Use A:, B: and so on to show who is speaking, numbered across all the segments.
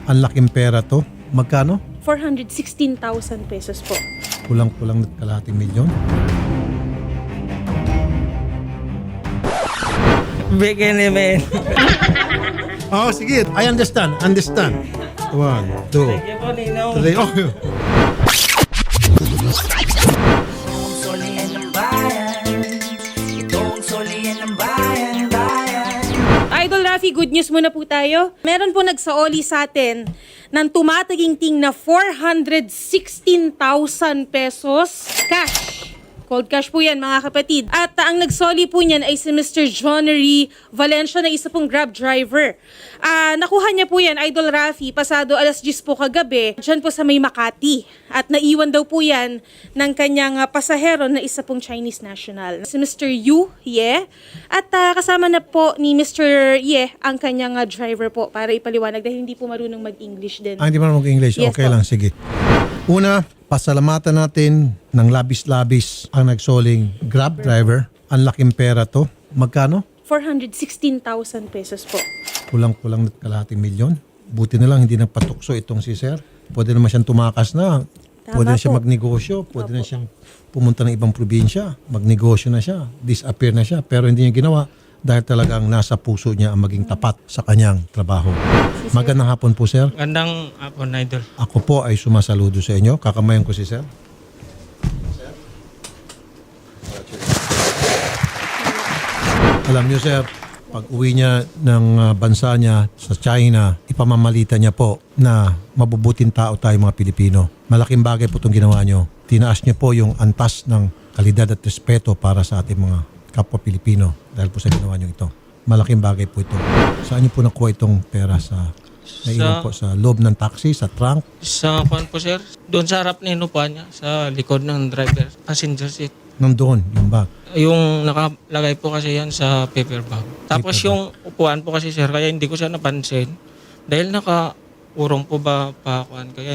A: Ang laking pera to. Magkano?
B: 416,000 pesos po.
A: Kulang-kulang kalahating milyon.
C: Bigyan ni men.
A: Oh, sige. I understand. Understand. 1, 2,
C: Sige po, Ninong.
A: 3. Oh.
D: Solian ng bayan, itong solian ng bayan.
B: Idol Rafi, good news muna po tayo. Meron po nagsaoli sa atin ng tumataginting na 416,000 pesos cash. Cold cash po yan mga kapatid. At ang nagsoli po niyan ay si Mr. Johnnery Valencia na isa pong Grab driver. Nakuha niya po yan, Idol Rafi, pasado alas 10 po kagabi, dyan po sa may Makati. At naiwan daw po yan ng kanyang pasahero na isa pong Chinese national. Si Mr. Yu Ye. At kasama na po ni Mr. Ye ang kanyang driver po para ipaliwanag dahil hindi po marunong mag-English din.
A: Hindi mo mag-English.
B: Yes
A: Okay
B: po.
A: lang. Sige. Una, pasalamatan natin ng labis-labis ang nagsoling Grab driver. Ang laking pera to. Magkano?
B: 416,000 pesos po.
A: Kulang-kulang kalahating milyon. Buti na lang hindi nagpatukso itong si Sir. Pwede naman siyang tumakas na. Pwede na siya
B: po.
A: magnegosyo. Pwede na siyang pumunta ng ibang probinsya. Magnegosyo na siya. Disappear na siya. Pero hindi niya ginawa dahil talagang nasa puso niya ang maging tapat sa kanyang trabaho. Magandang hapon po, Sir.
C: Gandang hapon, Idol.
A: Ako po ay sumasaludo sa inyo. Kakamayan ko si Sir. Alam niyo, Sir, pag uwi niya ng bansa niya sa China, ipamamalita niya po na mabubuting tao tayo mga Pilipino. Malaking bagay po itong ginawa niyo. Tinaas niyo po yung antas ng kalidad at respeto para sa ating mga kapwa Pilipino dahil po sa ginawa niyo ito. Malaking bagay po ito. Saan niyo po nakuha itong pera sa naiwan po sa loob ng taxi, sa trunk?
C: Sa kwan po, sir. Doon sa harap ni Inupa niya, sa likod ng driver, passenger seat.
A: Nandoon, yung bag.
C: Yung nakalagay po kasi yan sa paper bag. Tapos
A: Paper bag.
C: yung upuan po kasi, sir, kaya hindi ko siya napansin. Dahil nakaurong po ba pa kwan, kaya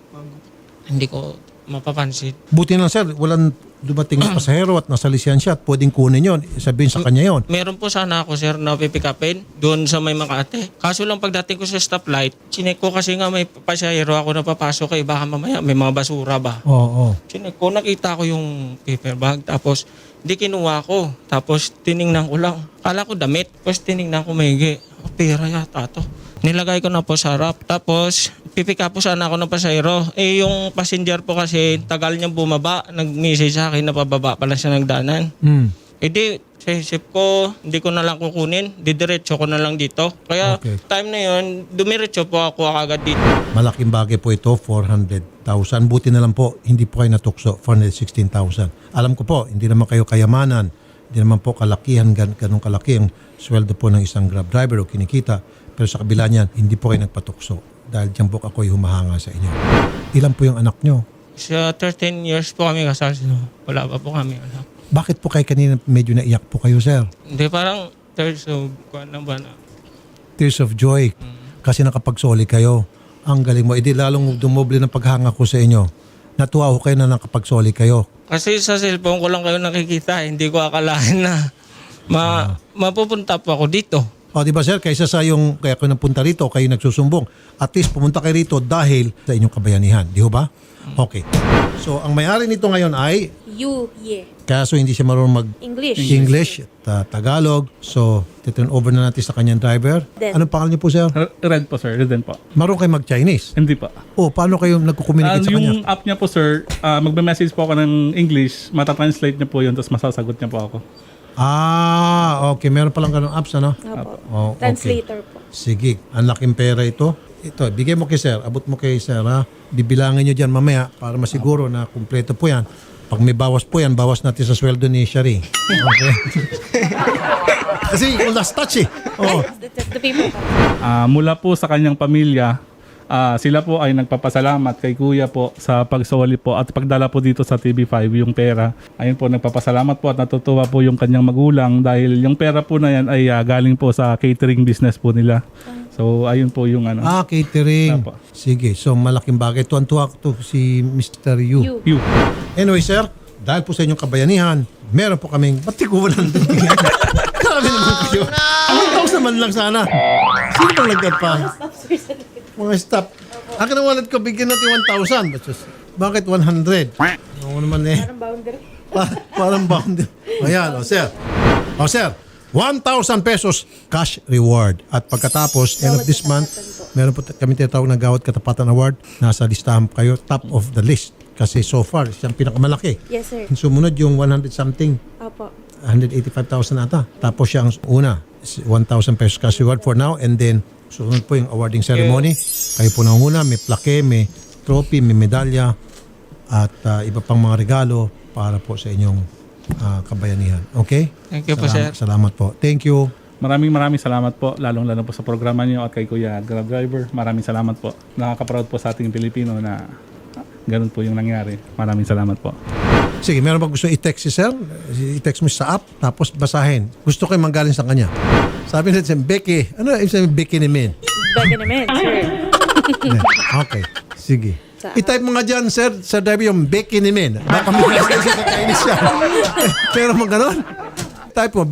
C: hindi ko mapapansin.
A: Buti na, Sir, walang dumating na pasahero at nasa lisensya at pwedeng kunin yon. Sabihin sa kanya yon.
C: Meron po sana ako, sir, na pipikapin doon sa may Makati. Kaso lang pagdating ko sa stoplight, chinek ko kasi nga may pasahero ako na papasok eh. Baka mamaya may mga basura ba.
A: Oo.
C: Chinek ko, nakita ko yung paper bag. Tapos, di kinuha ko. Tapos, tiningnan ko lang. Kala ko damit. Tapos, tiningnan ko maigi. Oh, pera yata to. Nilagay ko na po sa harap. Tapos, pipika po sana ako ng pasahero. Eh, yung passenger po kasi, tagal niyang bumaba. Nag-message sa akin na pababa pala siya nagdanan. Eh di, sa isip ko, hindi ko na lang kukunin. Didiretso ko na lang dito. Kaya,
A: Okay.
C: time na yun, dumiretso po ako agad dito.
A: Malaking bagay po ito, 400,000. Buti na lang po, hindi po kayo natukso, 416,000. Alam ko po, hindi naman kayo kayamanan. Hindi naman po kalakihan, ganun kalaki ang sweldo po ng isang Grab driver o kinikita. Pero sa kabila niyan, hindi po kayo nagpatukso. Dahil dyan po ako'y humahanga sa inyo. Ilan po yung anak nyo?
C: Sa 13 years po kami kasal. Wala pa po kami anak.
A: Bakit po kayo kanina medyo naiyak po kayo, Sir?
C: Hindi, parang third of, kung ano ba na.
A: Tears of joy. Kasi nakapagsoli kayo. Ang galing mo. Hindi lalong dumoble ng paghanga ko sa inyo. Natuwa ko kayo na nakapagsoli kayo.
C: Kasi sa cellphone ko lang kayo nakikita. Hindi ko akalain na mapupunta po ako dito.
A: O, di ba, Sir? Kaysa sa yung kaya kayo napunta rito, kayo nagsusumbong. At least pumunta kayo rito dahil sa inyong kabayanihan. Di ho ba? Okay. So, ang may-ari nito ngayon ay,
B: Yu Ye.
A: kaso hindi siya marunong
B: English.
A: at Tagalog. So, titurn over na natin sa kanyang driver.
B: Den.
A: Anong pangalan niyo po, Sir?
E: Red po, sir. Red po.
A: Marunong kayo mag-Chinese?
E: Hindi pa.
A: O, paano kayo nagko-communicate sa kanya?
E: Yung app niya po, sir, magme-message po ako ng English, matatranslate niya po yun, tapos masasagot niya po ako.
A: Ah, okay. Meron palang ganong apps, ano?
B: Opo.
A: Oh, okay.
B: Translator po.
A: Sige, ang laking pera ito. Ito, bigay mo kay Sir, abot mo kay Sir, ha? Bibilangin nyo dyan mamaya para masiguro na kumpleto po yan. Pag may bawas po yan, bawas natin sa sweldo ni Shari. Okay? Kasi yung last touch eh. Oh.
B: That's the paper.
E: Mula po sa kanyang pamilya, sila po ay nagpapasalamat kay Kuya po sa pagsoli po at pagdala po dito sa TV5 yung pera. Ayun po, nagpapasalamat po at natutuwa po yung kanyang magulang dahil yung pera po na yan ay galing po sa catering business po nila. So, ayun po yung ano.
A: Catering.
E: Apo.
A: Sige, so malaking bagay. Tuwan-tuwa to si Mr. Yu.
E: You.
A: Anyway, Sir, dahil po sa inyong kabayanihan, meron po kaming, ba't di ko walang Grabe naman kayo. 1,000 man lang sana. Sino bang nagdat pa? Mga staff. Akin ang wallet ko, bigyan natin 1,000. Bakit 100? Ano naman eh.
B: Parang boundary.
A: Parang boundary. Ayan, o sir. O sir, 1,000 pesos cash reward. At pagkatapos, end of this month, meron po kami tinatawag na Gawad Katapatan Award. Nasa listahan kayo, top of the list. Kasi so far, siyang pinakamalaki.
B: Yes, sir.
A: Sumunod yung 100 something.
B: Opo.
A: 185,000 ata. Tapos siya ang una, 1,000 pesos cash reward for now. And then, sunod po yung awarding ceremony. Kayo po nanguna, may plaque, may trophy, may medalya, at iba pang mga regalo para po sa inyong kabayanihan. Okay?
C: Thank you po, sir.
A: Salamat po. Thank you.
E: Maraming salamat po, lalong-lalo po sa programa niyo at kay Kuya Grab Driver. Maraming salamat po. Nakaka-proud po sa ating Pilipino na ganun po yung nangyari. Maraming salamat po.
A: Sige, meron ba gusto i-text si sir? I-text mo sa app, tapos basahin. Gusto ko yung manggaling sa kanya. Sabi natin, Becky. Ano yung sabi Becky ni Min?
B: Baga naman, sir.
A: Okay, sige.
B: Sa-
A: I-type mo nga dyan, sir, sa driver yung Becky ni Min. Baka may nasa sa Chinese siya. Pero mo ganon. Type mo,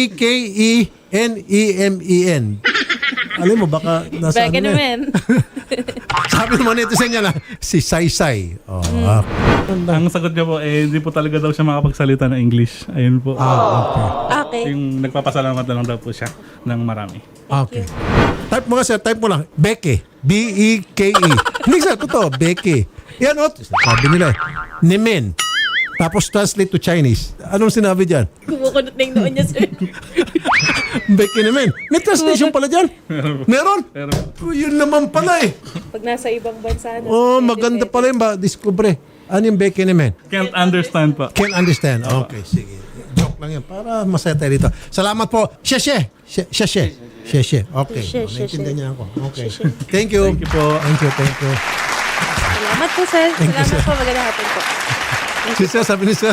A: Bekenemen. Alam mo, baka nasa
B: Baga
A: ano na.
B: naman.
A: Sabi naman ito sa niya na, si Saysay. Oh,
E: Ang sagot niya po, hindi po talaga daw siya makapagsalita ng English. Ayun po.
B: Okay.
E: Yung nagpapasalamat na lang daw po siya ng marami.
A: Okay. Type mo nga sir, type mo lang. Becky. B-E-K-E. Hindi sir, totoo. Becky. Yan o. Sabi nila. Nimen. Tapos translate to Chinese. Anong sinabi dyan?
B: Kumukunot na yung noon niya, sir.
A: Becky Nimen. May translation pala dyan. Meron?
E: Pero
A: Yun naman pala eh.
B: Pag nasa ibang bansa na.
A: Oh, maganda pala yung discover. Ano yung Becky Nimen?
E: can't understand po.
A: Can't understand. Okay, sige. Joke lang yan. Para masaya tayo dito. Salamat po. Sheshe. Sheshe. Okay.
B: Sheshe,
A: Naintindihan
B: sheshe.
A: niya ako. Okay. Thank you.
E: Thank you po.
A: Thank you.
B: Salamat po, sir.
A: Thank you,
B: Salamat
A: sir.
B: po. Magandang hapon po.
A: Si sir, sabi ni sir.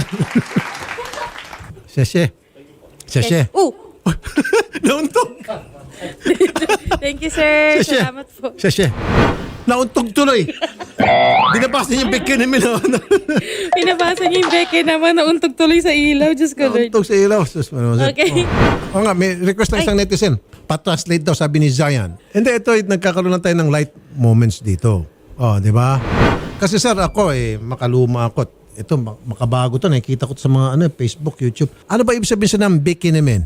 A: Sheshe.
B: Oh!
A: Nauntog.
B: Thank you, sir.
A: Sheshe.
B: Salamat po.
A: Sheshe. Nauntog tuloy. Dinabas niya yung Becky Nimen.
B: Pinabasa niya yung Becky naman. Nauntog tuloy sa ilaw. Diyos ko, Lord.
A: Nauntog sa ilaw. Sus,
B: Okay.
A: Oo nga, may request ng isang netizen. Pa-translate daw, sabi ni Zion. Hindi, ito, nagkakaroon na tayo ng light moments dito. Oh, di ba? Kasi sir, ako makaluma ako. Ito, makabago to. Nakikita ko to sa mga Facebook, YouTube. Ano ba ibig sabihin sa ng Becky Nimen?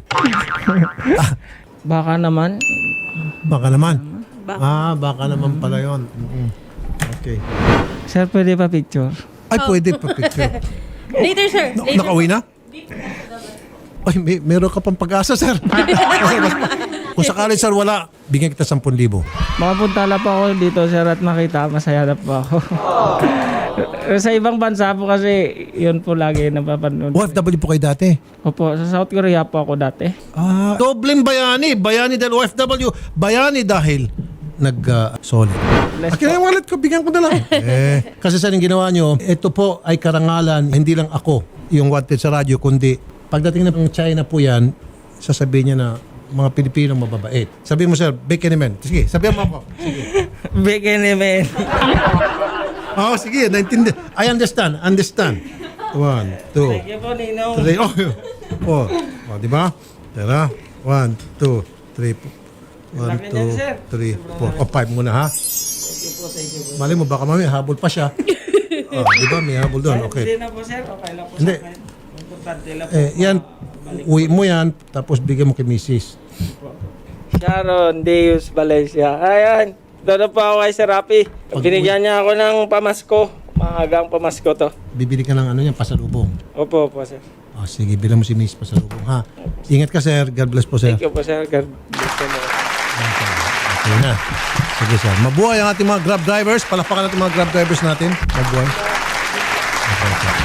C: Baka naman.
A: Baka naman. Baka naman pala yun. Okay.
C: Sir, pwede pa picture?
A: Ay, pwede pa picture.
B: Later, sir. Later.
A: Nakauwi na? Ay, meron ka pang pag-asa, sir. Kung sakali, sir, wala, bigyan kita 10,000.
C: Makapunta lang po ako dito, sir, at makita. Masaya na po ako. Sa ibang bansa po kasi, yun po lagi napapanood.
A: OFW po kayo dati?
C: Opo, sa South Korea po ako dati.
A: Dobleng bayani. Bayani dahil OFW. Bayani dahil nag-solid. Akin na yung wallet ko, bigyan ko na lang. Kasi sa yung ginawa nyo, ito po ay karangalan, hindi lang ako yung wanted sa radyo, kundi pagdating ng China po yan, sasabihin niya na mga Pilipino mababait. Sabihin mo, sir, Becky Nimen. Sige, sabihin mo ako. Sige.
C: Bekenemen.
A: Oh, sige, naintindi. I understand. 1, 2,
C: Thank you po, Ninong.
A: 3. Oh, di ba? Tara. 1, 2, 3. 1, 2, 3, 4. O, 5 muna, ha? Mali mo, baka mami, habol pa siya. Di ba? May habol doon.
C: Hindi
A: Okay.
C: na po, sir. Okay lang po
A: Hindi.
C: sa akin. Importante lang po.
A: Yan, uwi mo yan, tapos bigyan mo kay Mrs.
C: Sharon Deus Valencia. Ayan. Doon po ako kay Sir Rapi. Binigyan niya ako ng pamasko. Maagang pamasko to.
A: Bibili ka ng ano yan, pasalubong.
C: Opo po, sir.
A: Sige, bilang mo si Mrs. pasalubong, ha? Ingat ka, sir. God bless po, sir.
C: Thank you po, sir. God bless you mo.
A: Okay na. Sige, sir. Mabuhay ang ating mga Grab drivers. Palakpakan natin mga Grab drivers natin. Mabuhay. Okay.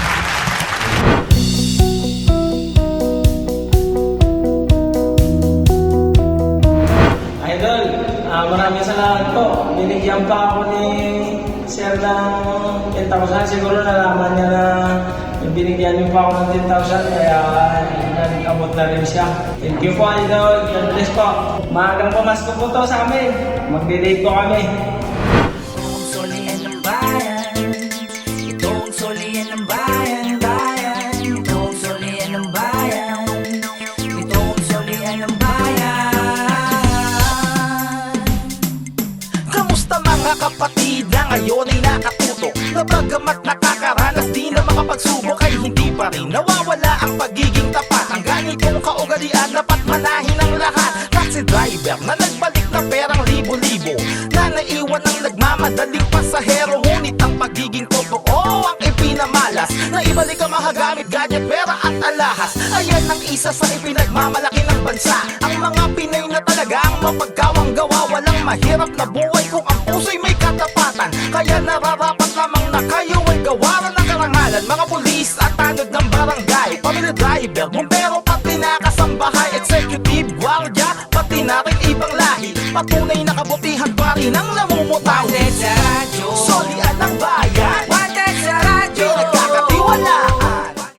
C: Idol, maraming salamat po. Binigyan pa ako ni Sir ng 10,000. Siguro nalaman niya na binigyan niyo pa ako ng 10,000 kaya nag-abot na rin siya. Thank you po, Idol. God bless po. Maagang pamasko po to sa amin. Mag-delay po kami.
D: Itong solian ng bayan. Itong solian ng bayan, bayan. Itong solian ng bayan. Itong solian ng bayan. Kamusta mga
F: Na bagamat nakakaranas di na makapagsubok ay hindi pa rin nawawala ang pagiging tapat. Ang ganitong kaugalian dapat manahin ng lahat. Taxi driver na nagbalik na perang libo-libo, na naiwan ang nagmamadaling pasahero. Ngunit ang pagiging totoo ang ipinamalas, na ibalik ang mahagamit, gadget, pera at alahas. Ayan ang isa sa ipinagmamalaki ng bansa. Ang mga Pinoy na talaga ang mapagkawang gawa. Walang mahirap na buhay kung ang puso'y may katapatan. Kaya nararapat lamang na kayo ay gawaran ng karangalan. Mga pulis at tanod ng barangay, pamilya driver, bumbero, pati na kasambahay, executive, guardia, pati na rin ibang lahi. Patunay na kabutihan pa rin ang namumutaw.
D: One day,